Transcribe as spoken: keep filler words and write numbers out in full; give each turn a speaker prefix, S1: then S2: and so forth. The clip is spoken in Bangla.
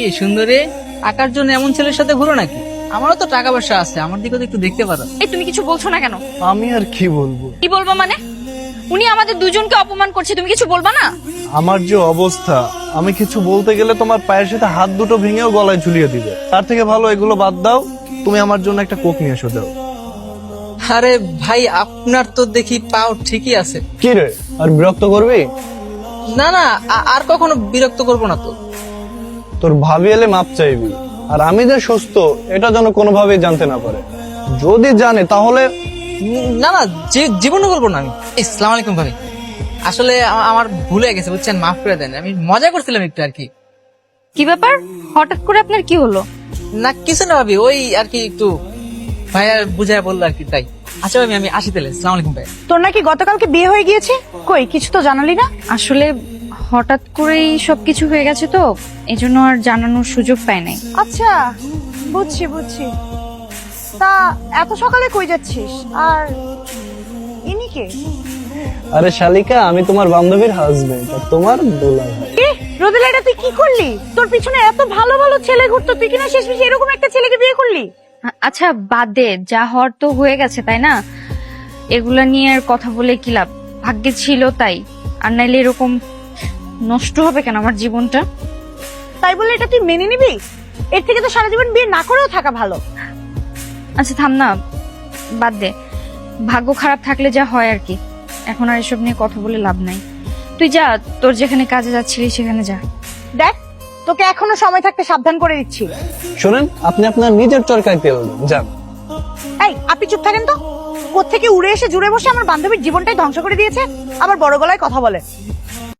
S1: সুন্দরী, টাকার জন্য এমন ছেলের সাথে ঘুরো নাকি? আমারও তো টাকা পয়সা আছে, আমার দিকে তো একটু দেখতে পারো।
S2: এই তুমি কিছু বলছো না কেন?
S3: আমি আর কি বলবো?
S2: কি বলবো মানে? উনি আমাদের দুজনকে অপমান করছে, তুমি কিছু বলবা না?
S3: আমার যে অবস্থা, আমি কিছু বলতে গেলে তোমার পায়ের সাথে হাত দুটো ভেঙেও গলায় ঝুলিয়ে দিবে। তার থেকে ভালো এগুলো বাদ দাও, তুমি আমার জন্য একটা কোক নিয়ে এসো যাও।
S1: আরে ভাই, আপনার তো দেখি পাও ঠিকই আছে।
S3: কি রে, আর বিরক্ত করবি?
S1: না না, আ- আর কখনো বিরক্ত করবো না তো।
S3: তোর ভাবি এলে মাপ চাইবি, আর আমি যে সুস্থ এটা যেন কোনোভাবেই জানতে না পারে। যদি জানে তাহলে
S1: উম, না না, জী- জীবনও বলবো না আমি। আসসালামু আলাইকুম ভাবি, আসলে আ- আমার ভুলে গেছে বুঝছেন, মাফ করে দেন, আমি মজা করছিলাম একটু আর কি।
S2: কি ব্যাপার, হঠাৎ করে আপনার কি হলো?
S1: না কিছু না ভাবি, ওই আর কি একটু ভাইয়া বুঝায় বললো আর কি, তাই। আচ্ছা ভাবি, আমি আসি তাহলে। আসসালামু আলাইকুম ভাই।
S4: তোর নাকি গতকালকে বিয়ে হয়ে গিয়েছে, কই কিছু তো জানালি না?
S2: আসলে হঠাৎ করেই সবকিছু হয়ে গেছে তো, এজন্য আর জানানোর সুযোগ পাই নাই।
S4: আচ্ছা, বুঝছি বুঝছি। তা এত সকালে কই যাচ্ছিস? আর ইনি কে?
S3: আরে শালিকা, আমি তোমার বান্ধবীর হাজবেন্ড আর তোমার দুলা ভাই।
S4: এ রোদেলা, এটা তুই কি করলি? তোর পিছনে এত ভালো ভালো ছেলে ঘুরতো, তুই কিনা শেষমেশ এরকম একটা ছেলেকে বিয়ে করলি?
S2: আ- আচ্ছা বাদ দে, যা হওয়ার তো হয়ে গেছে তাই না? এগুলা নিয়ে আর কথা বলে কি লাভ? ভাগ্যে ছিল তাই, আর নাইলে এরকম নষ্ট হবে কেন আমার জীবনটা?
S4: তাই বলে এটা তুই মেনে নিবি? এর থেকে তো সারা জীবন বিয়ে না করেও থাকা ভালো।
S2: আচ্ছা থাম না, বাদ দে। ভাগ্য খারাপ থাকলে যা হয় আর কি, এখন আর এসব নিয়ে কথা বলে লাভ নাই। তুই যা, তোর যেখানে কাজে যাচ্ছিলি সেখানে যা।
S4: দেখ, তোকে এখনো সময় থাকতে সাবধান করে দিচ্ছি।
S3: শোনেন, আপনি আপনার নিজের চরকায় তেল দেন, যান।
S4: এই, আপনি চুপ থাকেন তো। কোত্থেকে উড়ে এসে জুড়ে বসে আমার বান্ধবীর জীবনটাই ধ্বংস করে দিয়েছে, আবার বড় গলায় কথা বলে।